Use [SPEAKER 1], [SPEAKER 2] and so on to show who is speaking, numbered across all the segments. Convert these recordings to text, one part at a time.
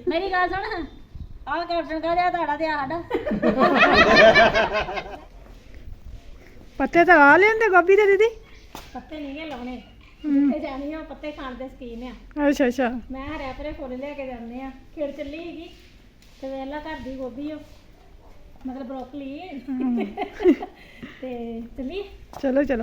[SPEAKER 1] ਮੇਰੀ ਗੱਲ ਸੁਣ ਆਹ ਕੈਪਟਨ ਕਹ ਰਿਹਾ ਤੁਹਾਡਾ ਤੇ ਸਾਡਾ
[SPEAKER 2] ਪੱਤੇ ਤਾਂ ਆ ਲੈਂਦੇ ਗੋਭੀ ਦੇ ਦੀਦੀ।
[SPEAKER 1] ਪੱਤੇ ਨਹੀਂ ਲਾਉਣੇ ਜਿੱਥੇ ਜਾਣੀ ਆ ਪੱਤੇ ਖਾਣ ਦੇ ਸਕੀਨ ਆ।
[SPEAKER 2] ਅੱਛਾ ਅੱਛਾ।
[SPEAKER 1] ਮੈਂ ਹਰਿਆ ਪਰੇ ਫੁੱਲ ਲੈ ਕੇ ਜਾਂਦੇ ਆ ਖੇੜ ਚੱਲੀ ਹੈਗੀ ਤੇ ਵੇਲਾ ਘਰ ਦੀ ਗੋਭੀ ਉਹ ਮਤਲਬ ਬਰੋਕਲੀ ਤੇ ਚੱਲੀ
[SPEAKER 2] ਚਲੋ ਚਲੋ।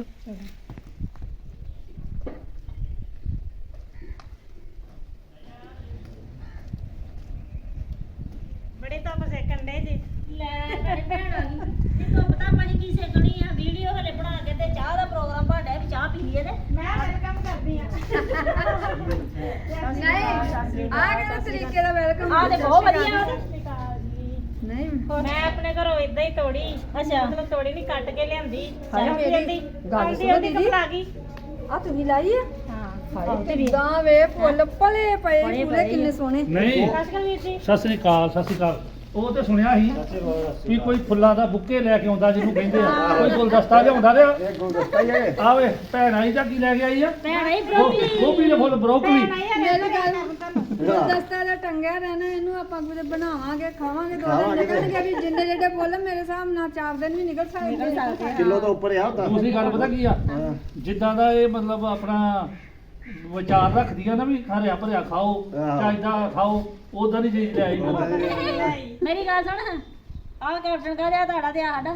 [SPEAKER 1] ਬੜੇ ਧੁੱਪ ਸੇਕਣ ਦੇ ਜੀ ਲੈ ਮੇਰੇ ਭੈਣ ਆ ਗਈ ਇਹ ਧੁੱਪ ਤਾਂ ਆਪਾਂ ਨੇ ਕੀ ਸੇਕਣੀ ਆ ਵੀਡੀਓ ਹਲੇ ਬਣਾ ਕੇ ਤੇ ਚਾਹ ਦਾ ਪ੍ਰੋਗਰਾਮ ਬਣਦਾ ਵੀ ਚਾਹ ਪੀ ਲਈਏ ਤੇ ਮੈਂ ਵੈਲਕਮ ਕਰਦੀ ਆ
[SPEAKER 2] ਨਹੀਂ ਆ ਕਿਹੜੇ ਤਰੀਕੇ ਦਾ ਵੈਲਕਮ
[SPEAKER 1] ਆ ਤੇ ਬਹੁਤ ਵਧੀਆ
[SPEAKER 2] ਨਹੀਂ
[SPEAKER 1] ਮੈਂ ਆਪਣੇ ਘਰੋਂ ਇਦਾਂ ਹੀ ਤੋੜੀ ਅੱਛਾ ਮਤਲਬ ਤੋੜੀ ਨਹੀਂ ਕੱਟ ਕੇ ਲਿਆਂਦੀ
[SPEAKER 2] ਹਾਏ
[SPEAKER 1] ਚਾਹ
[SPEAKER 2] ਮੇਰੀ
[SPEAKER 1] ਪੀਂਦੀ
[SPEAKER 2] ਗੱਲ
[SPEAKER 1] ਆਂਦੀ
[SPEAKER 2] ਸੁਣੋ
[SPEAKER 1] ਆਂਦੀ
[SPEAKER 2] ਦੀਦੀ।
[SPEAKER 1] ਕਪੜਾ ਗਈ
[SPEAKER 2] ਆ ਤੁਸੀਂ ਲਾਈ ਆ
[SPEAKER 1] ਹਾਂ
[SPEAKER 2] ਹਾਏ ਕਿੱਦਾਂ ਵੇ ਫੁੱਲ ਭਲੇ ਪਏ ਪੂਰੇ ਕਿੰਨੇ ਸੋਹਣੇ।
[SPEAKER 3] ਨਹੀਂ
[SPEAKER 1] ਸਸਕਲ ਵੀਰ ਜੀ
[SPEAKER 3] ਸਤਿ ਸ੍ਰੀ ਅਕਾਲ ਸਤਿ ਸ੍ਰੀ ਅਕਾਲ। ਉਹ ਤੇ ਸੁਣਿਆ ਸੀ ਵੀ ਕੋਈ ਫੁੱਲਾਂ ਦਾ ਬੁੱਕੇ ਲੈ ਕੇ ਆਉਂਦਾ ਜਿਹਨੂੰ ਕਹਿੰਦੇ ਆ ਕੋਈ ਗੁਲਦਸਤਾ ਲਿਆਉਂਦਾ ਤੇ
[SPEAKER 4] ਇਹ ਗੁਲਦਸਤਾ ਹੀ ਹੈ।
[SPEAKER 3] ਆਵੇ ਭੈਣ ਆਈ ਜਾਂ ਕੀ ਲੈ ਕੇ ਆਈ ਆ
[SPEAKER 1] ਭੈਣ ਆਈ ਬਰੋਕਲੀ
[SPEAKER 3] ਗੋਭੀ ਦੇ ਫੁੱਲ ਬਰੋਕਲੀ।
[SPEAKER 2] ਮੇਰੀ ਗੱਲ ਗੁਲਦਸਤਾ ਦਾ ਟੰਗਿਆ ਰਹਿਣਾ ਇਹਨੂੰ ਆਪਾਂ ਕੁਝ ਬਣਾਵਾਂਗੇ ਖਾਵਾਂਗੇ ਦੋ ਦਿਨ ਨਿਕਲਣਗੇ ਵੀ ਜਿੰਨੇ ਜਿਹੜੇ ਫੁੱਲ ਮੇਰੇ ਹਿਸਾਬ ਨਾਲ 4 ਦਿਨ ਵੀ ਨਿਕਲ ਸਕਦੇ ਆ।
[SPEAKER 4] ਕਿਲੋ ਤੋਂ ਉੱਪਰ ਆ ਹੁੰਦਾ।
[SPEAKER 3] ਦੂਸਰੀ ਗੱਲ ਪਤਾ ਕੀ ਆ ਜਿੱਦਾਂ ਦਾ ਇਹ ਮਤਲਬ ਆਪਣਾ ਵਿਚਾਰ ਰੱਖਦੀਆਂ ਨਾ ਵੀ ਹਰਿਆ ਭਰਿਆ ਖਾਓ ਚਾਹੀਦਾ ਖਾਓ ਉਦਾਂ ਦੀ ਚੀਜ਼ ਲਿਆਈ
[SPEAKER 1] ਮੇਰੀ ਗੱਲ ਸੁਣ ਆਹ ਕੈਪਟਨ ਕਹ ਰਿਹਾ ਤੁਹਾਡਾ ਤੇ ਸਾਡਾ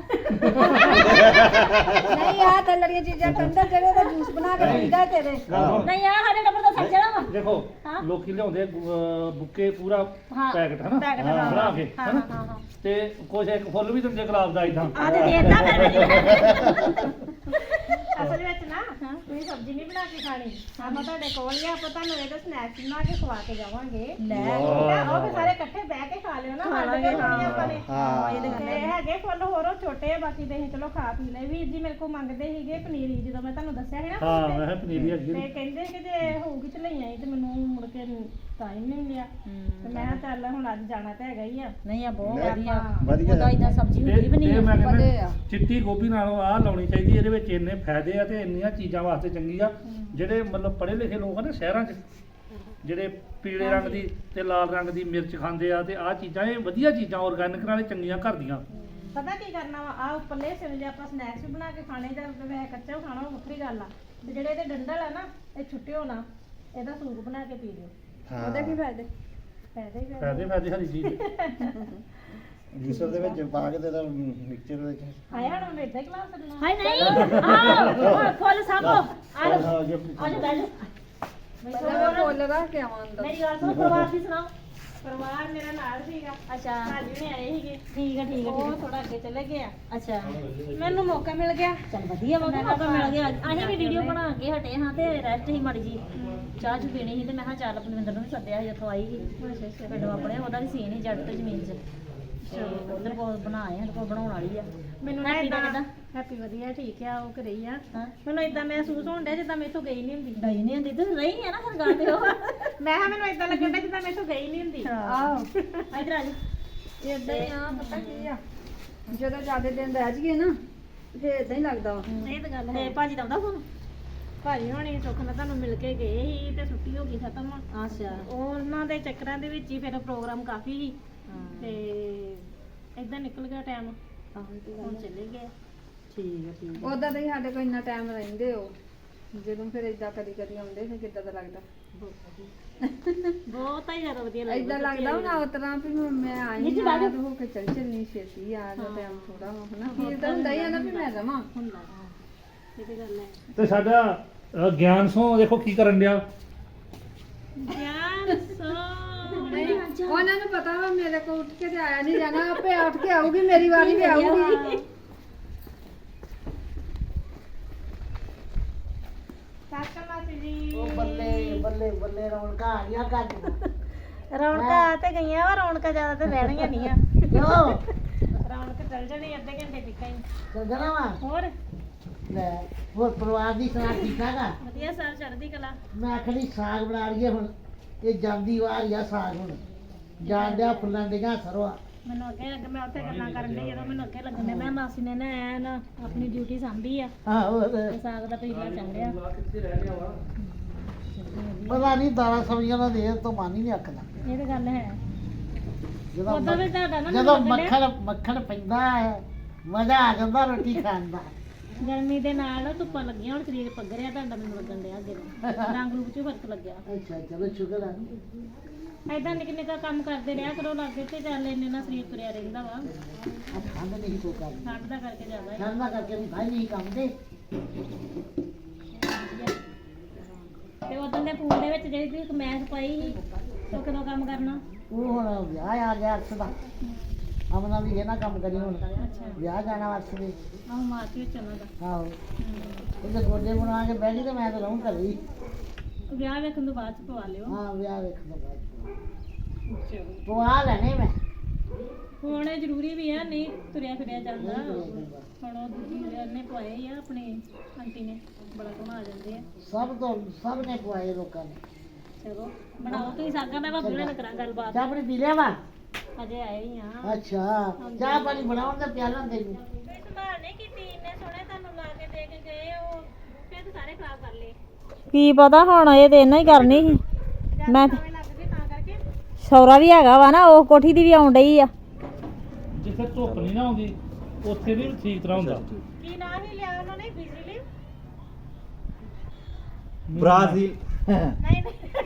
[SPEAKER 2] ਨਹੀਂ ਆ ਤਲੜੀਆਂ ਚੀਜ਼ਾਂ ਠੰਡਾ ਜਿਹੜੇ ਦਾ ਜੂਸ ਬਣਾ ਕੇ ਪੀਦਾ ਤੇਰੇ।
[SPEAKER 1] ਨਹੀਂ ਆ ਸਾਡੇ ਨੰਬਰ ਦਾ ਸੱਜਣਾ ਵਾ
[SPEAKER 3] ਦੇਖੋ
[SPEAKER 1] ਹਾਂ।
[SPEAKER 3] ਲੋਕੀ ਲਿਆਉਂਦੇ ਬੁੱਕੇ ਪੂਰਾ
[SPEAKER 1] ਹਾਂ,
[SPEAKER 3] ਪੈਕਟ ਹਨਾ
[SPEAKER 1] ਪੈਕਟ ਹਾਂ।
[SPEAKER 3] ਬਣਾ ਕੇ
[SPEAKER 1] ਹਾਂ
[SPEAKER 3] ਹਨਾ
[SPEAKER 1] ਹਾਂ ਹਾਂ
[SPEAKER 3] ਤੇ ਕੁਝ ਇੱਕ ਫੁੱਲ ਵੀ ਦਿੰਦੇ ਗੁਲਾਬ ਦਾ ਇਦਾਂ
[SPEAKER 1] ਆ ਤੇ ਦੇਤਾ ਫਿਰ ਅਸਲ ਵਿੱਚ ਨਾ ਤੁਸੀਂ ਸਬਜ਼ੀ ਨਹੀਂ ਬਣਾ ਕੇ ਖਾਣੀ ਆਪਾਂ ਤੁਹਾਡੇ ਕੋਲ ਹੀ ਆ ਆਪਾਂ ਤੁਹਾਨੂੰ ਇਹਦਾ ਸਨੈਕਸ ਬਣਾ ਕੇ ਖਵਾ ਕੇ ਜਾਵਾਂਗੇ ਲੈ ਉਹ ਵੀ ਸਾਰੇ ਇਕੱਠੇ ਬਹਿ ਕੇ ਖਾ ਲਿਓ ਨਾ ਸਾਡੇ ਕੋਲ ਨਹੀਂ ਆਪਾਂ ਨੇ ਤੇ ਹੈਗੇ ਫੁੱਲ ਹੋਰ ਉਹ ਛੋਟੇ ਆ ਬਾਕੀ ਤੇ ਅਸੀਂ ਚਲੋ ਖਾ ਪੀ ਲਏ ਵੀਰ ਜੀ ਮੇਰੇ ਕੋਲ ਮੰਗਦੇ ਸੀਗੇ ਪਨੀਰੀ ਜਦੋਂ ਮੈਂ ਤੁਹਾਨੂੰ ਦੱਸਿਆ ਸੀ ਨਾ
[SPEAKER 3] ਹਾਂ ਮੈਂ ਕਿਹਾ ਪਨੀਰੀ ਹੈਗੀ
[SPEAKER 1] ਤੇ ਕਹਿੰਦੇ ਕਿ ਜੇ ਹੋਊਗੀ ਤੇ ਲਈ ਆਈ ਤੇ ਮੈਨੂੰ ਮੁੜ ਕੇ ਟਾਈਮ ਨਹੀਂ ਮਿਲਿਆ ਤੇ ਮੈਂ ਕਿਹਾ ਚੱਲ ਹੁਣ ਅੱਜ ਜਾਣਾ ਤਾਂ ਹੈਗਾ ਹੀ ਆ
[SPEAKER 2] ਨਹੀਂ ਆ ਬਹੁਤ
[SPEAKER 1] ਵਧੀਆ
[SPEAKER 4] ਵਧੀਆ
[SPEAKER 1] ਉਹਦਾ ਇਦਾਂ ਸਬਜ਼ੀ ਹੁੰਦੀ ਬਣੀ
[SPEAKER 3] ਇਹ ਮੈਂ
[SPEAKER 2] ਪਲੇ
[SPEAKER 3] ਕਹਿੰਦਾ
[SPEAKER 2] ਆ।
[SPEAKER 3] ਚਿੱਟੀ ਗੋਭੀ ਨਾਲੋਂ ਆਹ ਲਾਉਣੀ ਚਾਹੀਦੀ ਇਹਦੇ ਵਿੱਚ ਇੰਨੇ ਫਾਇਦੇ ਆ ਤੇ ਇੰਨੀਆਂ ਚੀਜ਼ਾਂ ਵਾਸਤੇ ਚੰਗੀ ਆ ਜਿਹੜੇ ਮਤਲਬ ਪੜ੍ਹੇ ਲਿਖੇ ਲੋਕ ਆ ਨਾ ਸ਼ਹਿਰਾਂ 'ਚ ਜਿਹੜੇ ਪੀਲੇ ਰੰਗ ਦੀ ਤੇ ਲਾਲ ਰੰਗ ਦੀ ਮਿਰਚ ਖਾਂਦੇ ਆ ਤੇ ਆਹ ਚੀਜ਼ਾਂ ਇਹ ਵਧੀਆ ਚੀਜ਼ਾਂ ਆਰਗੈਨਿਕ ਨਾਲੇ ਚੰਗੀਆਂ ਘਰ ਦੀਆਂ।
[SPEAKER 1] ਪਤਾ ਕੀ ਕਰਨਾ ਵਾ ਆ ਉੱਪਰਲੇ ਸਿਰ ਜੇ ਆਪਾਂ ਸਨੈਕਸ ਵੀ ਬਣਾ ਕੇ ਖਾਣੇ ਜਾਂ ਵੈਸੇ ਕੱਚਾ ਵੀ ਖਾਣਾ ਉਹ ਵੱਖਰੀ ਗੱਲ ਆ ਤੇ ਜਿਹੜੇ ਇਹਦੇ ਡੰਡਲ ਆ ਨਾ ਇਹ ਛੁੱਟਿਓ ਨਾ ਇਹਦਾ ਸੂਪ ਬਣਾ ਕੇ ਪੀ ਲਿਓ
[SPEAKER 2] ਉਹਦੇ ਕੀ ਫਾਇਦੇ।
[SPEAKER 1] ਫਾਇਦਾ ਹੀ
[SPEAKER 3] ਫਾਇਦੇ ਹਰੀ ਚੀਜ਼
[SPEAKER 4] ਜੂਸਰ ਦੇ ਵਿੱਚ ਪਾ ਕੇ ਤੇ ਦਾ ਮਿਕਸਚਰ ਵਿੱਚ
[SPEAKER 1] ਆਇਆ ਹੁਣ ਇਦਾਂ ਹੀ ਕਲਾਸ ਕਰਨਾ ਹਾਏ ਨਹੀਂ ਆਹ ਫੁੱਲ ਸਾਂਭੋ ਆ ਜਾ ਆ ਜਾ ਬੈਠ
[SPEAKER 2] ਪਹਿਲਾਂ ਮੈਂ ਫੁੱਲ ਰੱਖ ਕੇ ਆਵਾਂ ਅੰਦਰ।
[SPEAKER 1] ਮੇਰੀ ਗੱਲ ਸੁਣੋ ਪਰਿਵਾਰ ਦੀ ਸੁਣਾਓ ਪਰਿਵਾਰ ਮੇਰਾ ਨਾਲ ਸੀਗਾ ਅੱਛਾ ਭਾਜੀ ਨੇ ਆਏ ਸੀਗੇ ਠੀਕ ਆ ਉਹ ਥੋੜਾ ਅੱਗੇ ਚਲੇ ਗਏ ਆ ਅੱਛਾ ਮੈਨੂੰ ਮੌਕਾ ਮਿਲ ਗਿਆ ਚਲ ਵਧੀਆ ਮੌਕਾ ਮਿਲ ਗਿਆ ਅਸੀਂ ਵੀ ਵੀਡੀਓ ਬਣਾ ਕੇ ਹਟੇ ਹਾਂ ਤੇ ਰੈਸਟ ਹੀ ਮਾੜੀ ਜੀ ਚਾਹ ਚ ਪੀਣੀ ਸੀ ਤੇ ਮੈਂ ਕਿਹਾ ਚੱਲ ਆਪਣਿੰਦਰ ਨੂੰ ਵੀ ਸੱਦਿਆ ਸੀ ਉੱਥੋਂ ਆਈ ਸੀ ਪਿੰਡੋਂ ਆਪਣੇ ਉਹਦਾ ਵੀ ਸੀਨ ਹੀ ਜੱਟ ਤੇ ਜ਼ਮੀਨ 'ਚ ਤੇ ਉਧਰ ਕੋਲ ਬਣਾਏ ਸਾਡੇ ਕੋਲ ਬਣਾਉਣ ਵਾਲੀ ਆ ਮੈਨੂੰ ਨਾ ਇਦਾਂ ਹੈਪੀ ਵਧੀਆ ਠੀਕ ਆ ਉਹ ਘਰੇ ਹੀ ਆ ਮੈਨੂੰ ਇਦਾਂ ਮਹਿਸੂਸ ਹੋਣ ਡਿਆ ਜਿੱਦਾਂ ਮੈਥੋਂ ਗਈ ਨਹੀਂ ਹੁੰਦੀ ਤੂੰ ਰਹੀ ਆ ਨਾ ਫਿਰ ਗੱਲ ਤੇ ਉਹ ਮੈਂ ਕਿਹਾ ਮੈਨੂੰ ਇਦਾਂ ਲੱਗਣ ਡਿਆ ਜਿੱਦਾਂ ਮੈਥੋਂ ਗਈ ਨਹੀਂ ਹੁੰਦੀ
[SPEAKER 2] ਆਹੋ
[SPEAKER 1] ਇਧਰ ਆ ਜਾ
[SPEAKER 2] ਇਦਾਂ ਹੀ ਆ ਪਤਾ ਕੀ ਆ ਜਦੋਂ ਜ਼ਿਆਦਾ ਦਿਨ ਰਹਿ ਜਾਈਏ ਨਾ ਫੇਰ ਇਦਾਂ ਹੀ ਲੱਗਦਾ ਵਾ।
[SPEAKER 1] ਇਹ ਤਾਂ ਗੱਲ ਹੈ ਭਾਜੀ ਦਾ ਆਉਂਦਾ ਫੋਨ ਭਾਜੀ ਹੋਣੀ ਸੁੱਖ ਨਾਲ ਤੁਹਾਨੂੰ ਮਿਲ ਕੇ ਗਏ ਸੀ ਤੇ ਛੁੱਟੀ ਹੋ ਗਈ ਖਤਮ ਅੱਛਾ ਉਹਨਾਂ ਦੇ ਚੱਕਰਾਂ ਦੇ ਵਿੱਚ ਹੀ ਫਿਰ ਪ੍ਰੋਗਰਾਮ ਕਾਫੀ ਸੀ ਤੇ ਇਦਾਂ ਨਿਕਲ ਗਿਆ ਟਾਈਮ ਹੁਣ ਚਲੇ ਗਏ ਠੀਕ
[SPEAKER 2] ਉਦਾਂ ਤਾਂ ਹੀ ਸਾਡੇ ਕੋਲ ਇੰਨਾ ਟਾਈਮ ਰਹਿੰਦੇ ਹੋ ਜਦੋਂ ਫਿਰ ਇਦਾਂ ਕਦੀ ਕਦੀ ਆਉਂਦੇ ਫਿਰ ਕਿੱਦਾਂ ਦਾ ਲੱਗਦਾ।
[SPEAKER 1] ਬਹੁਤ ਹੀ ਜ਼ਿਆਦਾ ਵਧੀਆ ਲੱਗਦਾ
[SPEAKER 2] ਇਦਾਂ ਲੱਗਦਾ ਹੁਣ ਉਸ ਤਰ੍ਹਾਂ ਵੀ ਹੁਣ ਮੈਂ ਆਈ ਹਾਂ ਤੇ ਹੋ ਕੇ ਚੱਲਣੀ ਛੇਤੀ ਆ ਜਾ ਟਾਈਮ ਥੋੜਾ ਵਾ ਹਨਾ ਫਿਰ ਤਾਂ ਹੁੰਦਾ ਹੀ ਆ ਨਾ ਵੀ ਮੈਂ ਰਵਾਂ।
[SPEAKER 1] ਹੁੰਦਾ ਇਹ ਤੇ ਗੱਲ ਹੈ
[SPEAKER 3] ਤੇ ਸਾਡਾ ਗਿਆਨ ਸੋ ਦੇਖੋ ਕੀ ਕਰਨ ਡਿਆ
[SPEAKER 1] ਯਾਰ
[SPEAKER 2] ਉਹਨਾਂ ਨੂੰ ਪਤਾ ਵਾ ਮੇਰੇ ਕੋਲ ਉੱਠ ਕੇ ਤੇ ਆਇਆ ਨਹੀਂ ਜਾਣਾ ਆਪੇ ਉੱਠ ਕੇ ਆਊਗੀ ਮੇਰੀ ਵਾਰੀ ਵੀ ਆਊਗੀ।
[SPEAKER 1] ਸਾਕਾ ਮਾਸੀ ਜੀ
[SPEAKER 5] ਉਹ ਬੱਲੇ ਬੱਲੇ ਬੱਲੇ ਰੌਣਕਾਂ ਆ ਗਈਆਂ ਘਰ ਨੂੰ।
[SPEAKER 1] ਰੌਣਕਾਂ ਆ ਤੇ ਗਈਆਂ ਵਾ ਰੌਣਕਾਂ ਜ਼ਿਆਦਾ ਤੇ ਰਹਿਣੀਆਂ ਨਹੀਂ ਆ
[SPEAKER 5] ਕਿਉਂ
[SPEAKER 1] ਰੌਣਕ ਚੱਲ ਜਾਣੀ ਅੱਧੇ ਘੰਟੇ ਤੱਕ ਹੀ
[SPEAKER 5] ਚੱਲ ਜਾਣਾ ਵਾ
[SPEAKER 1] ਹੋਰ
[SPEAKER 5] ਲੈ ਹੋਰ ਪਰਿਵਾਰ ਦੀ ਸੁਣਾ ਠੀਕ ਠਾਕ ਆ
[SPEAKER 1] ਵਧੀਆ ਸਰ ਚੜ੍ਹਦੀ ਕਲਾ
[SPEAKER 5] ਮੈਂ ਆਖਣੀ ਸਾਗ ਬਣਾ ਲਈਏ ਹੁਣ ਇਹ ਜਾਂਦੀ ਵਾਰ ਆ ਸਾਗ ਹੁਣ ਜਾਣ ਡਿਆ ਫੁੱਲਾਂ ਦੀਆਂ ਸਰਵਾ
[SPEAKER 1] ਮੈਨੂੰ ਅੱਗੇ ਲੱਗ ਮੈਂ ਉੱਥੇ ਗੱਲਾਂ ਕਰਨ ਡਈ ਜਦੋਂ ਮੈਨੂੰ ਅੱਗੇ ਲੱਗਣ ਡਿਆ ਮੈਂ ਮਾਸੀ ਨੇ ਨਾ ਐਨ ਆਪਣੀ ਡਿਊਟੀ ਸਾਂਭੀ ਆ
[SPEAKER 5] ਆਹੋ
[SPEAKER 1] ਤੇ ਸਾਗ ਦਾ ਪੀਲਾ ਚੰਡਿਆ
[SPEAKER 5] ਪਤਾ ਨਹੀਂ ਦਾਲਾਂ ਸਬਜ਼ੀਆਂ ਦਾ ਦੇਰ ਤੋਂ ਮਨ ਹੀ ਨਹੀਂ ਅੱਕਦਾ
[SPEAKER 1] ਇਹ ਤਾਂ ਗੱਲ ਹੈ ਉਦੋਂ ਵੀ ਤੁਹਾਡਾ ਨਾ
[SPEAKER 5] ਜਦੋਂ ਮੱਖਣ ਪੈਂਦਾ ਹੈ ਮਜ਼ਾ ਆ ਜਾਂਦਾ ਰੋਟੀ ਖਾਣ ਦਾ।
[SPEAKER 1] ਗਰਮੀ ਦੇ ਨਾਲ ਧੁੱਪਾਂ ਲੱਗੀਆਂ ਹੁਣ ਸਰੀਰ ਪੱਗਰਿਆ ਤੁਹਾਡਾ ਮੈਨੂੰ ਲੱਗਣ ਡਿਆ ਅੱਗੇ ਨਾਲੋਂ। ਰੰਗ ਰੂਪ 'ਚ ਫਰਕ ਲੱਗਿਆ।
[SPEAKER 5] ਅੱਛਾ ਚਲੋ ਸ਼ੁਕਰ ਹੈ।
[SPEAKER 1] ਐਦਾਂ ਨਿੱਕੇ ਨਿੱਕਾ ਕੰਮ ਕਰਦੇ ਰਿਹਾ ਕਰੋ ਲਾਗੇ ਤੇ ਚੱਲ ਇੰਨੇ ਨਾਲ ਸਰੀਰ ਤੁਰਿਆ ਰਹਿੰਦਾ ਵਾ।
[SPEAKER 5] ਆ ਠੰਡ ਨਹੀਂ ਕੋ ਕਰ
[SPEAKER 1] ਠੰਡ ਦਾ ਕਰਕੇ ਜ਼ਿਆਦਾ ਹੈ।
[SPEAKER 5] ਠੰਡ ਦਾ ਕਰਕੇ ਵੀ ਭਾਈ ਨਹੀਂ ਕੰਮ ਦੇ।
[SPEAKER 1] ਤੇ ਉਦੋਂ ਦੇ ਫੋਨ ਦੇ ਵਿੱਚ ਜਿਹੜੀ ਤੁਸੀਂ ਕਮੈਂਟ ਪਾਈ ਸੀ ਉਹ ਕਦੋਂ ਕੰਮ ਕਰਨਾ?
[SPEAKER 5] ਉਹ ਹੁਣ ਵਿਆਹ ਆ ਗਿਆ ਅਰਸ਼ ਦਾ। ਅਮਨਾ ਵੀ ਇਹ ਨਾ ਕੰਮ ਕਰੀ ਹੁਣ
[SPEAKER 1] ਅੱਛਾ
[SPEAKER 5] ਵਿਆਹ ਜਾਣਾ ਅਰਸ਼ ਦੇ।
[SPEAKER 1] ਆਹ ਮਾਰਚ ਵਿੱਚ ਉਹਨਾਂ ਦਾ
[SPEAKER 5] ਆਹੋ ਉਹਦੇ ਗੋਡੇ ਬਣਾ ਕੇ ਬਹਿ ਗਈ ਤੇ ਮੈਂ ਤਾਂ ਰਹੂੰ ਘਰੇ ਹੀ।
[SPEAKER 1] ਵਿਆਹ ਵੇਖਣ ਤੋਂ ਬਾਅਦ ਚ ਪਵਾ ਲਿਓ।
[SPEAKER 5] ਹਾਂ ਵਿਆਹ ਵੇਖਣ ਤੋਂ ਬਾਅਦ ਪਵਾ ਲੈਣੇ ਮੈਂ।
[SPEAKER 1] ਹੁਣ ਇਹ ਜ਼ਰੂਰੀ ਵੀ ਆ ਨਹੀਂ ਤੁਰਿਆ ਫਿਰਿਆ ਜਾਂਦਾ। ਹੁਣ ਉਹ ਦੂਜੀ ਨੇ ਪਵਾਏ ਹੀ ਆ ਆਪਣੇ ਆਂਟੀ ਨੇ ਬੜਾ ਘੁਮਾ ਜਾਂਦੇ ਆ।
[SPEAKER 5] ਸਭ ਨੇ ਪਵਾਏ ਲੋਕਾਂ ਨੇ।
[SPEAKER 1] ਚਲੋ ਬਣਾਓ ਤੁਸੀਂ ਸਾਗਾ ਮੈਂ ਭਾਬੀ ਨਾਲ ਕਰਾਂ ਗੱਲਬਾਤ।
[SPEAKER 5] ਚਾਹ ਪਾਣੀ ਪੀ ਲਿਆ ਵਾ?
[SPEAKER 1] ਅਜੇ ਆਏ ਹੀ ਆ।
[SPEAKER 5] ਅੱਛਾ ਚਾਹ ਪਾਣੀ ਬਣਾਉਣ ਦਾ ਪਿਆਲਾ ਦੇ ਨੂੰ
[SPEAKER 1] ਸੰਭਾਲ ਨਹੀਂ ਕੀਤੀ ਇੰਨੇ ਸੋਹਣੇ ਤੁਹਾਨੂੰ ਲਾ ਕੇ ਦੇ ਕੇ ਗਏ ਉਹ ਫਿਰ ਤਾਂ ਸਾਰੇ ਖਰਾਬ ਕਰ ਲਏ।
[SPEAKER 6] ਕੀ ਪਤਾ ਹੁਣ ਇਹ ਤੇ ਇਹਨਾਂ ਹੀ ਕਰਨੀ ਸੀ। ਮੈਂ
[SPEAKER 1] ਐਵੇਂ ਲੱਗ ਗਏ ਤਾਂ ਕਰਕੇ।
[SPEAKER 6] ਸੌਰਾ ਵੀ ਹੈਗਾ ਵਾ ਨਾ ਉਹ ਕੋਠੀ ਦੀ ਵੀ ਆਉਣ ਡਈ ਆ।
[SPEAKER 3] ਜਿੱਥੇ ਧੁੱਪ ਨਹੀਂ ਨਾ ਆਉਂਦੀ ਉੱਥੇ ਵੀ ਠੀਕ ਤਰ੍ਹਾਂ ਹੁੰਦਾ।
[SPEAKER 1] ਕੀ ਨਾਂ ਹੀ ਲਿਆ ਉਹਨਾਂ ਨੇ ਬਿਜਲੀ?
[SPEAKER 4] ਬ੍ਰਾਜ਼ੀਲ
[SPEAKER 1] ਨਹੀਂ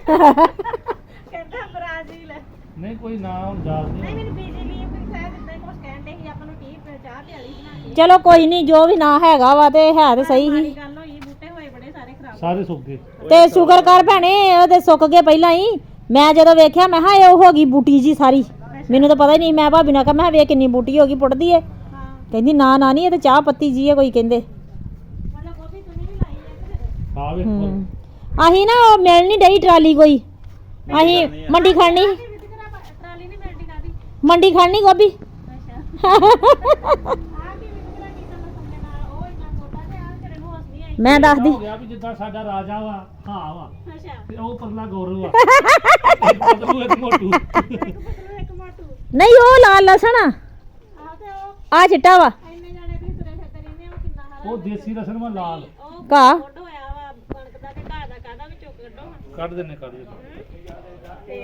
[SPEAKER 1] ਕਹਿੰਦਾ ਬ੍ਰਾਜ਼ੀਲ।
[SPEAKER 3] ਨਹੀਂ ਕੋਈ ਨਾ ਹੁਣ ਯਾਦ
[SPEAKER 1] ਨਹੀਂ
[SPEAKER 3] ਨਹੀਂ।
[SPEAKER 1] ਮੈਨੂੰ ਬਿਜਲੀ ਵੀ ਸ਼ਾਇਦ ਇਦਾਂ ਕੁਝ ਕਹਿੰਦੇ ਸੀ ਆਪਾਂ ਨੂੰ ਚਾਹ ਤੇ ਵਾਲੀ ਬਣਾ ਕੇ।
[SPEAKER 6] ਚਲੋ ਕੋਈ ਨਹੀਂ ਜੋ ਵੀ ਨਾ ਹੈਗਾ ਵਾ ਤੇ ਹੈ ਤੇ ਸਹੀ
[SPEAKER 1] ਮਾੜੀ
[SPEAKER 6] ਹੀ।
[SPEAKER 1] ਗੱਲ ਹੋਈ ਬੂਟੇ ਹੋਏ ਬੜੇ ਸਾਰੇ ਖਰਾਬ।
[SPEAKER 3] ਸਾਰੇ ਸੁੱਕ ਗਏ।
[SPEAKER 6] ਤੇ ਸ਼ੁਕਰ ਕਰ ਭੈਣੇ ਉਹਦੇ ਸੁੱਕ ਗਏ ਪਹਿਲਾਂ ਹੀ। ਮੈਂ ਜਦੋਂ ਵੇਖਿਆ ਮੈਂ ਕਿਹਾ ਇਹ ਹੋ ਗਈ ਬੂਟੀ ਜੀ ਸਾਰੀ। ਮੈਨੂੰ ਤਾਂ ਪਤਾ ਹੀ ਨਹੀਂ। ਮੈਂ ਭਾਬੀ ਨਾਲ ਕਿਹਾ ਮੈਂ ਕਿਹਾ ਵੇਖ ਕਿੰਨੀ ਬੂਟੀ ਹੋ ਗਈ ਪੁੱਟਦੀ ਏ।
[SPEAKER 1] ਹਾਂ
[SPEAKER 6] ਕਹਿੰਦੀ ਨਾ ਨਾ ਨਹੀਂ ਇਹ ਤੇ ਚਾਹ ਪੱਤੀ ਜੀ ਹੈ ਕੋਈ ਕਹਿੰਦੇ।
[SPEAKER 1] ਮਤਲਬ ਗੋਭੀ ਤੁਸੀਂ ਵੀ ਲਾਈ ਹੈ ਤੇ
[SPEAKER 3] ਆ ਵੇ
[SPEAKER 6] ਅਸੀਂ ਨਾ ਉਹ ਮਿਲ ਨਹੀਂ ਡਈ ਟਰਾਲੀ ਕੋਈ। ਅਸੀਂ ਮੰਡੀ ਖੜਨੀ
[SPEAKER 1] ਟਰਾਲੀ ਨਹੀਂ ਮਿਲਦੀ ਕਾਦੀ।
[SPEAKER 6] ਮੰਡੀ ਖੜਨੀ ਗੋਭੀ।
[SPEAKER 1] ਅੱਛਾ ਆ ਕੀ ਵਿਕਰਾ ਕੀ ਸਮਝ ਨਾਲ ਉਹ ਇੰਨਾ ਮੋਟਾ ਤੇ ਆ ਤੇਰੇ ਨੂੰ ਹੱਸਦੀ ਆਈ।
[SPEAKER 6] ਮੈਂ ਦੱਸਦੀ
[SPEAKER 3] ਹੋ ਗਿਆ ਵੀ ਜਿੱਦਾਂ ਸਾਡਾ ਰਾਜਾ ਵਾ ਹਾਂ ਵਾ
[SPEAKER 1] ਅੱਛਾ
[SPEAKER 3] ਤੇ ਉਹ ਪਰਲਾ ਗੌਰਵ ਆ। ਪਤਲੂ ਇੱਕ ਮੋਟੂ।
[SPEAKER 1] ਇੱਕ ਮੋਟੂ
[SPEAKER 6] ਨਹੀਂ ਉਹ ਲਾਲ ਲਸਣ ਆ
[SPEAKER 1] ਆਹ ਤੇ ਉਹ
[SPEAKER 6] ਆ ਚਿੱਟਾ ਵਾ
[SPEAKER 1] ਇੰਨੇ ਜਾਣੇ ਤੁਸੀਂ ਤੁਰੇ ਫਿਰਦੇ ਰਹਿੰਦੇ ਹੋ ਕਿੰਨਾ ਹਰਾ
[SPEAKER 3] ਉਹ ਦੇਸੀ ਰਸਨ ਵਾ ਲਾਲ।
[SPEAKER 1] ਉਹ
[SPEAKER 6] ਘਾਹ
[SPEAKER 1] ਗੁੱਡ ਹੋਇਆ ਵਾ ਕਣਕ ਦਾ ਤੇ ਘਾਹ ਦਾ ਕਾਹਦਾ ਵਿੱਚੋਂ ਕੱਢੋ ਹਾਂ।
[SPEAKER 3] ਕੱਢ ਦਿੰਨੇ ਕੱਢ ਦਿੰਨੇ।
[SPEAKER 1] ਤੇ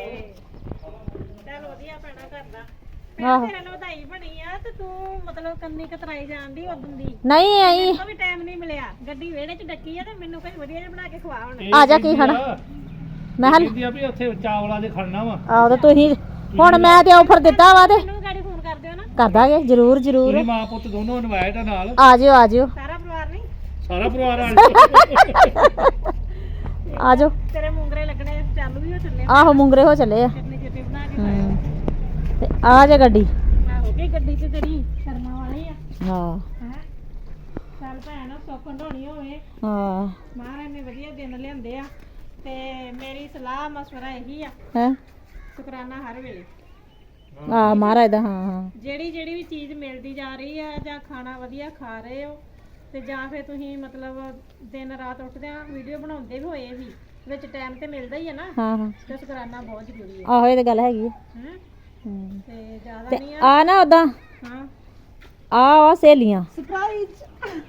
[SPEAKER 1] ਚੱਲ ਵਧੀਆ ਪੈਣਾ ਕਰਦਾ।
[SPEAKER 6] ਆਹੋ।
[SPEAKER 1] ਤੇਰੇ ਨਾਲ ਵਧਾਈ ਬਣੀ ਆ ਤੇ ਤੂੰ ਮਤਲਬ ਕੰਨੀ ਕਤਰਾਈ ਜਾਂਦੀ ਉਦੋਂ ਦੀ।
[SPEAKER 6] ਨਹੀਂ ਆਈ
[SPEAKER 1] ਮੈਨੂੰ ਵੀ ਟਾਈਮ ਨਹੀਂ ਮਿਲਿਆ। ਗੱਡੀ ਵਿਹੜੇ 'ਚ ਡੱਕੀ ਆ ਤੇ ਮੈਨੂੰ ਕੁਝ ਵਧੀਆ ਜਿਹਾ ਬਣਾ ਕੇ ਖਵਾ ਹੁਣ।
[SPEAKER 3] ਇਹ
[SPEAKER 6] ਆ ਜਾ ਕੀ
[SPEAKER 3] ਕਹਿੰਦੀ
[SPEAKER 6] ਖਾਣਾ?
[SPEAKER 3] ਆ-
[SPEAKER 6] ਮੈਂ
[SPEAKER 3] ਇਹ ਕਹਿੰਦੀ ਆ ਵੀ ਉੱਥੇ ਚਾਵਲਾਂ ਦੇ ਖੜਨਾ ਵਾ।
[SPEAKER 6] ਆਹ ਤੇ ਤੁਸੀਂ ਹੁਣ ਮੈਂ ਤੇ ਆਫਰ ਦਿੱਤਾ ਵਾ ਤੇ
[SPEAKER 1] ਮੈਨੂੰ ਵੀ ਗਾੜੀ ਫੋਨ ਕਰ ਦਿਓ ਨਾ।
[SPEAKER 6] ਕਰ ਦਾਂਗੇ ਜ਼ਰੂਰ ਜ਼ਰੂਰ।
[SPEAKER 3] ਤੁਸੀਂ ਮਾਂ ਪੁੱਤ ਦੋਨੋਂ ਇਨਵਾਈਟ ਆ ਨਾਲ।
[SPEAKER 6] ਆ ਜਿਓ ਆ ਜਿਓ
[SPEAKER 1] ਸਾਰਾ ਪਰਿਵਾਰ ਨਹੀਂ।
[SPEAKER 3] ਸਾਰਾ ਪਰਿਵਾਰ ਆ ਜਾਓ।
[SPEAKER 6] ਆ ਜਾਓ।
[SPEAKER 1] ਤੇਰੇ ਮੁੰਗਰੇ ਲੱਗਣੇ ਚਾਲੂ ਵੀ ਹੋ ਚੱਲੇ।
[SPEAKER 6] ਆਹੋ ਮੁੰਗਰੇ ਹੋ ਚੱਲੇ ਆ।
[SPEAKER 1] ਚਟਨੀ ਚਟਨੀ ਬਣਾ ਕੇ ਖਾਓ।
[SPEAKER 6] ਤੇ ਆ ਜਾ ਗੱਡੀ।
[SPEAKER 1] ਹੋ ਗਈ ਗੱਡੀ ਤੇ ਤੇਰੀ ਸ਼ਰਮਾ ਵਾਲੀ ਆ।
[SPEAKER 6] ਹਾਂ
[SPEAKER 1] ਹੈ ਚੱਲ ਭੈਣ ਸੁੱਖ ਢੋਣੀ ਹੋਵੇ।
[SPEAKER 6] ਹਾਂ
[SPEAKER 1] ਮਹਾਰਾਜ ਨੇ ਵਧੀਆ ਦਿਨ ਲਿਆਂਦੇ ਆ ਤੇ ਮੇਰੀ ਸਲਾਹ ਮਸ਼ਵਰਾ ਇਹੀ ਆ
[SPEAKER 6] ਹੈ
[SPEAKER 1] ਸ਼ੁਕਰਾਨਾ ਹਰ ਵੇਲੇ।
[SPEAKER 6] ਆ ਮਹਾਰਾਜ ਦਾ ਹਾਂ ਹਾਂ
[SPEAKER 1] ਜਿਹੜੀ ਜਿਹੜੀ ਵੀ ਚੀਜ਼ ਮਿਲਦੀ ਜਾ ਰਹੀ ਆ ਜਾਂ ਖਾਣਾ ਵਧੀਆ ਖਾ ਰਹੇ ਹੋ ਤੇ ਜਾਂ ਫਿਰ ਤੁਸੀਂ ਮਤਲਬ ਦਿਨ ਰਾਤ ਉੱਠਦਿਆਂ ਵੀਡੀਓ ਬਣਾਉਂਦੇ ਵੀ ਹੋਏ ਵੀ ਵਿੱਚ ਟਾਈਮ ਤੇ ਮਿਲਦਾ ਹੀ ਆ ਨਾ
[SPEAKER 6] ਹਾਂ ਹਾਂ
[SPEAKER 1] ਤੇ ਸ਼ੁਕਰਾਨਾ ਬਹੁਤ ਜ਼ਰੂਰੀ ਹੈ।
[SPEAKER 6] ਆਹੋ ਇਹ ਤੇ ਗੱਲ ਹੈਗੀ ਆ।
[SPEAKER 1] ਹੈਂ?
[SPEAKER 6] ਹੂੰ।
[SPEAKER 1] ਤੇ ਜ਼ਿਆਦਾ
[SPEAKER 6] ਤੇ
[SPEAKER 1] ਨਹੀਂ ਆ।
[SPEAKER 6] ਆ ਨਾ ਉਦਾਂ
[SPEAKER 1] ਹਾਂ
[SPEAKER 6] ਆ ਸਹੇਲੀਆਂ
[SPEAKER 1] ਸਰਪ੍ਰਾਈਜ਼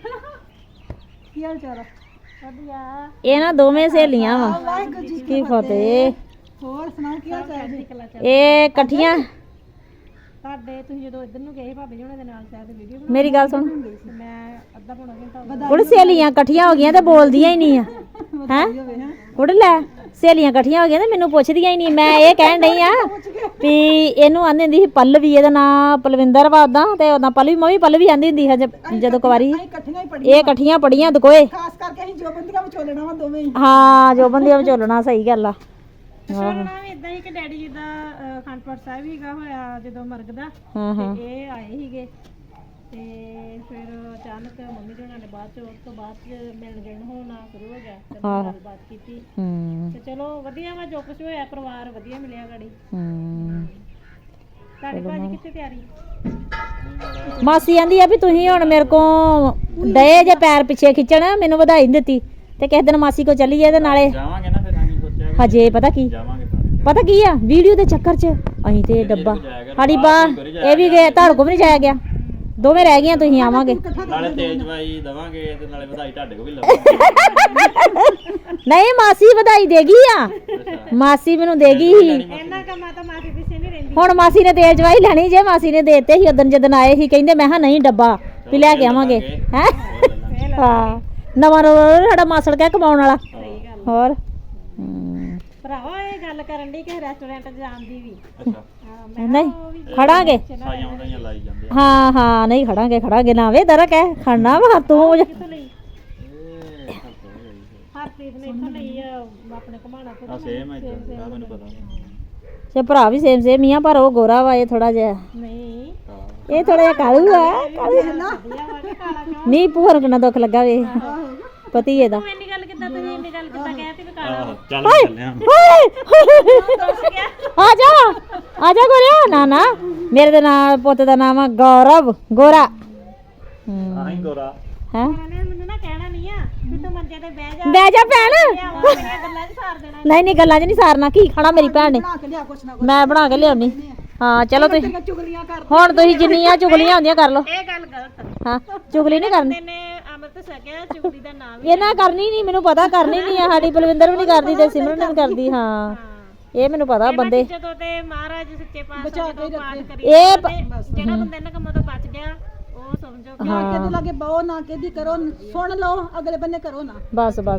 [SPEAKER 1] ਕੀ ਹਾਲ ਚਾਲ ਆ? ਵਧੀਆ।
[SPEAKER 6] ਇਹ ਨਾ ਦੋਵੇਂ ਸਹੇਲੀਆਂ ਵਾ ਕੀ ਫਤਿਹ।
[SPEAKER 1] ਹੋਰ ਸੁਣਾਓ ਕੀ ਹਾਲ ਚਾਲ ਜੀ?
[SPEAKER 6] ਇਹ ਇਕੱਠੀਆਂ
[SPEAKER 1] ਤੁਹਾਡੇ ਤੁਸੀਂ ਜਦੋਂ ਇੱਧਰ ਨੂੰ ਗਏ ਭਾਬੀ ਜੀ ਉਹਨਾਂ ਦੇ ਨਾਲ ਸ਼ਾਇਦ ਵੀਡੀਓ
[SPEAKER 6] ਮੇਰੀ ਗੱਲ ਸੁਣ
[SPEAKER 1] ਤੇ ਮੈਂ ਅੱਧਾ ਪੌਣਾ ਘੰਟਾ
[SPEAKER 6] ਕੁੜ ਸਹੇਲੀਆਂ ਇਕੱਠੀਆਂ ਹੋ ਗਈਆਂ ਤੇ ਬੋਲਦੀਆਂ ਹੀ ਨਹੀਂ ਆ ਹੈ ਕੁੜ ਲੈ ਸਹੇਲੀਆਂ ਇਕੱਠੀਆਂ ਹੋ ਗਈਆਂ ਤੇ ਮੈਨੂੰ ਪੁੱਛਦੀਆਂ ਹੀ ਨਹੀਂ। ਮੈਂ ਇਹ ਕਹਿਣ ਡਈ ਆ ਵੀ ਇਹਨੂੰ ਆਂਦੀ ਹੁੰਦੀ ਸੀ ਪੱਲਵੀ। ਇਹਦਾ ਨਾਂ ਪਲਵਿੰਦਰ ਵਾ ਉਦਾਂ ਤੇ ਉਦਾਂ ਪੱਲਵੀ ਮੈਂ ਵੀ ਪੱਲਵੀ ਆਂਦੀ ਹੁੰਦੀ ਸੀ ਜਦੋਂ ਕੁਵਾਰੀ। ਇਹ ਇਕੱਠੀਆਂ ਪੜੀਆਂ ਦਕੋਏ।
[SPEAKER 2] ਖਾਸ ਕਰਕੇ ਅਸੀਂ ਜੋ ਬੰਦੀਆਂ ਵਿਚੋਲਣਾ ਵਾ ਦੋਵੇਂ ਹੀ।
[SPEAKER 6] ਹਾਂ ਜੋ ਬੰਦੀਆਂ ਵਿਚੋਲਣਾ ਸਹੀ ਗੱਲ ਆ।
[SPEAKER 1] ਸੁਣਨਾ ਵੀ ਇਦਾਂ ਹੀ ਕਿ ਡੈਡੀ ਜੀ ਦਾ ਅਖੰਡ ਪਾਠ ਸਾਹਿਬ ਹੀਗਾ ਹੋਇਆ ਜਦੋਂ ਮਰਗ ਦਾ
[SPEAKER 6] ਹਾਂ ਹਾਂ
[SPEAKER 1] ਤੇ ਇਹ ਆਏ ਸੀਗੇ ਤੇ ਫਿਰ ਅਚਾਨਕ ਮੰਮੀ ਜੀ ਉਹਨਾਂ ਨੇ ਬਾਅਦ ਚ ਉਸ ਤੋਂ ਬਾਅਦ ਚ ਮਿਲਣ ਗਿਲਣ ਹੋਣਾ ਸ਼ੁਰੂ ਹੋ ਗਿਆ ਤੇ ਗੱਲਬਾਤ ਕੀਤੀ
[SPEAKER 6] ਹੂੰ
[SPEAKER 1] ਤੇ ਚਲੋ ਵਧੀਆ ਵਾ ਜੋ ਕੁਝ ਹੋਇਆ ਪਰਿਵਾਰ ਵਧੀਆ ਮਿਲਿਆ ਗਾੜੀ।
[SPEAKER 6] ਹੂੰ
[SPEAKER 1] ਤੁਹਾਡੀ ਭਾਜੀ ਕਿੱਥੇ ਤਿਆਰੀ?
[SPEAKER 6] ਮਾਸੀ ਆਂਦੀ ਆ ਵੀ ਤੁਸੀਂ ਹੁਣ ਮੇਰੇ ਕੋ ਡਏ ਜੇ ਪੈਰ ਪਿੱਛੇ ਖਿੱਚਣ ਮੈਨੂੰ ਵਧਾਈ ਨੀ ਦਿੱਤੀ ਤੇ ਕਿਸੇ ਦਿਨ ਮਾਸੀ ਕੋ ਚੱਲੀਏ ਤੇ ਨਾਲੇ
[SPEAKER 4] ਜਾਵਾਂਗੇ ਨਾ ਫਿਰ ਅਸੀਂ ਸੋਚਿਆ
[SPEAKER 6] ਹਜੇ ਪਤਾ ਕੀ
[SPEAKER 4] ਜਾਵਾਂਗੇ
[SPEAKER 6] ਪਤਾ ਕੀ ਆ ਵੀਡੀਓ ਦੇ ਚੱਕਰ 'ਚ ਅਸੀਂ ਤੇ ਡੱਬਾ ਸਾਡੀ ਬਾਹ ਇਹ ਵੀ ਗਏ ਤੁਹਾਡੇ ਕੋ ਵੀ ਨਹੀਂ ਜਾਇਆ ਗਿਆ। ਦੋਵੇਂ ਰਹਿ ਗਈਆਂ ਤੁਸੀਂ ਆਵਾਂਗੇ।
[SPEAKER 4] ਨਾਲੇ ਤੇਜ਼ ਵਾਈ ਦਵਾਂਗੇ ਤੇ ਨਾਲੇ ਵਧਾਈ ਤੁਹਾਡੇ ਕੋ ਵੀ ਲਵਾਂਗੇ।
[SPEAKER 6] ਨਹੀਂ ਮਾਸੀ ਵਧਾਈ ਦੇਗੀ ਆ। ਮਾਸੀ ਮੈਨੂੰ ਦੇਗੀ ਹੀ।
[SPEAKER 1] ਇਹਨਾਂ ਕੰਮਾਂ ਤਾਂ ਮਾਫੀ ਪਿੱਛੇ ਨਹੀਂ ਰਹਿੰਦੀ।
[SPEAKER 6] ਹੁਣ ਮਾਸੀ ਨੇ ਤੇਲ ਚਵਾਈ ਲੈਣੀ ਜੇ ਮਾਸੀ ਨੇ ਦੇਤੇ ਸੀ ਉਦੋਂ ਜਦੋਂ ਆਏ ਸੀ ਕਹਿੰਦੇ ਮੈਂ ਹਾਂ ਨਹੀਂ ਡੱਬਾ ਵੀ ਲੈ ਕੇ ਆਵਾਂਗੇ ਹੈ ਹਾਂ ਨਵਾਂ ਸਾਡਾ ਮਾਸੜ ਕਹਿ ਕਮਾਉਣ ਵਾਲਾ ਹੋਰ
[SPEAKER 1] ਭਰਾਵਾ ਇਹ ਗੱਲ ਕਰਨ ਦੀ ਕਿ ਰੈਸਟੋਰੈਂਟ ਜਾਣ ਦੀ ਵੀ
[SPEAKER 6] ਨਹੀਂ ਖੜਾਂਗੇ ਹਾਂ ਹਾਂ ਨਹੀਂ ਖੜਾਂਗੇ ਨਾ ਵੇ ਦਰਾ ਕਹਿ ਖੜਨਾ ਵਾ ਤੂੰ
[SPEAKER 1] ਹਰਪ੍ਰੀਤ ਨੇ ਇੱਥੋਂ ਲਈ ਆਪਣੇ ਘਮਾਣਾ ਤੋਂ
[SPEAKER 7] ਸੇਮ ਹੈ ਮੈਨੂੰ ਪਤਾ
[SPEAKER 6] ਤੇ ਭਰਾ ਵੀ ਸੇਮ ਹੀ ਆ ਪਰ ਉਹ ਗੋਰਾ ਵਾ ਇਹ ਥੋੜਾ ਜਿਹਾ
[SPEAKER 1] ਨਹੀਂ
[SPEAKER 6] ਇਹ ਥੋੜਾ ਜਿਹਾ ਕਾਲੂ ਆ ਨਹੀਂ ਭੂਆ ਨੂੰ ਕਿੰਨਾ ਦੁੱਖ ਲੱਗਾ ਵੇ ਪਤੀ ਇਹਦਾ
[SPEAKER 1] ਤੂੰ ਇੰਨੀ ਗੱਲ ਕਿੱਦਾਂ ਕਹਿਤੀ ਵੀ ਕਾਲਾ
[SPEAKER 7] ਚੱਲ ਚੱਲੇ ਆ
[SPEAKER 6] ਆ ਜਾ ਗੋਰਿਆ ਨਾ ਨਾ ਮੇਰੇ ਦੇ ਨਾਲ ਪੁੱਤ ਦਾ ਨਾਮ ਆ ਗੌਰਵ ਗੋਰਾ
[SPEAKER 7] ਆਹੀਂ ਗੋਰਾ
[SPEAKER 6] ਹੈ
[SPEAKER 1] ਮੈਨੂੰ ਨਾ ਕਹਿਣਾ ਨਹੀਂ ਆ ਵੀ ਤੂੰ ਮੰਜੇ ਤੇ ਬਹਿ
[SPEAKER 6] ਜਾ ਭੈਣ
[SPEAKER 1] ਮੇਰੀਆਂ ਗੱਲਾਂ 'ਚ ਸਾਰ ਦੇਣਾ
[SPEAKER 6] ਨਹੀਂ ਗੱਲਾਂ 'ਚ ਨਹੀਂ ਸਾਰਨਾ ਕੀ ਖਾਣਾ ਮੇਰੀ ਭੈਣ ਨੇ ਮੈਂ ਬਣਾ ਕੇ ਲਿਆਉਣੀ ਹਾਂ ਚਲੋ ਤੁਸੀਂ ਹੁਣ ਤੁਸੀਂ ਜਿੰਨੀਆਂ ਚੁਗਲੀਆਂ ਹੁੰਦੀਆਂ ਕਰ ਲਓ
[SPEAKER 1] ਇਹ ਗੱਲ ਗਲਤ
[SPEAKER 6] ਹਾਂ ਚੁਗਲੀ ਨਹੀਂ ਕਰਨੀ
[SPEAKER 1] ਨੇ ਅੰਮ੍ਰਿਤ ਛਕਿਆ ਚੁਗਲੀ ਦਾ ਨਾਮ
[SPEAKER 6] ਇਹਨਾਂ ਕਰਨੀ ਨਹੀਂ ਮੈਨੂੰ ਪਤਾ ਕਰਨੀ ਨਹੀਂ ਆ ਸਾਡੀ ਬਲਵਿੰਦਰ ਵੀ ਨਹੀਂ ਕਰਦੀ ਤੇ ਸਿਮਰਨ ਵੀ ਕਰਦੀ ਹਾਂ ਇਹ ਮੈਨੂੰ ਪਤਾ ਬੰਦੇ
[SPEAKER 1] ਜਦੋਂ ਤੇ ਮਹਾਰਾਜ ਸੱਚੇ ਪਾਤਸ਼ਾਹ ਜਦੋਂ ਪਾਠ ਕਰੀ
[SPEAKER 6] ਇਹ
[SPEAKER 1] ਜਿਹੜਾ ਬੰਦਾ ਇਹਨਾਂ ਕੰਮਾਂ ਤੋਂ ਬਚ ਗਿਆ ਉਹ ਸਮਝੋ ਕਿ
[SPEAKER 2] ਨਾ ਕਿਤੇ ਲਾਗੇ ਬਹੁ ਨਾ ਕਿਹਦੀ ਕਰੋ ਸੁਣ ਲਓ ਅਗਲੇ ਬੰਨੇ ਕਰੋ ਨਾ
[SPEAKER 6] ਬਸ ਹਾਂ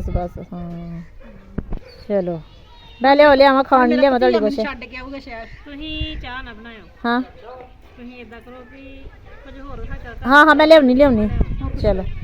[SPEAKER 6] ਚਲੋ ਮੈਂ ਲਿਆਵਾਂ ਖਾਣ ਨਹੀਂ ਲਿਆਵਾਂ ਤੁਹਾਡੇ ਕੁਛ
[SPEAKER 2] ਛੱਡ ਕੇ ਆਊਗਾ ਸ਼ਹਿਰ
[SPEAKER 1] ਤੁਸੀਂ ਚਾਹ ਨਾ ਬਣਾਇਓ
[SPEAKER 6] ਹਾਂ
[SPEAKER 1] ਤੁਸੀਂ ਇਦਾਂ ਕਰੋ ਕਿ ਕੁਝ ਹੋਰ ਨਾ
[SPEAKER 6] ਹਾਂ ਮੈਂ ਲਿਆਉਣੀ ਚਲੋ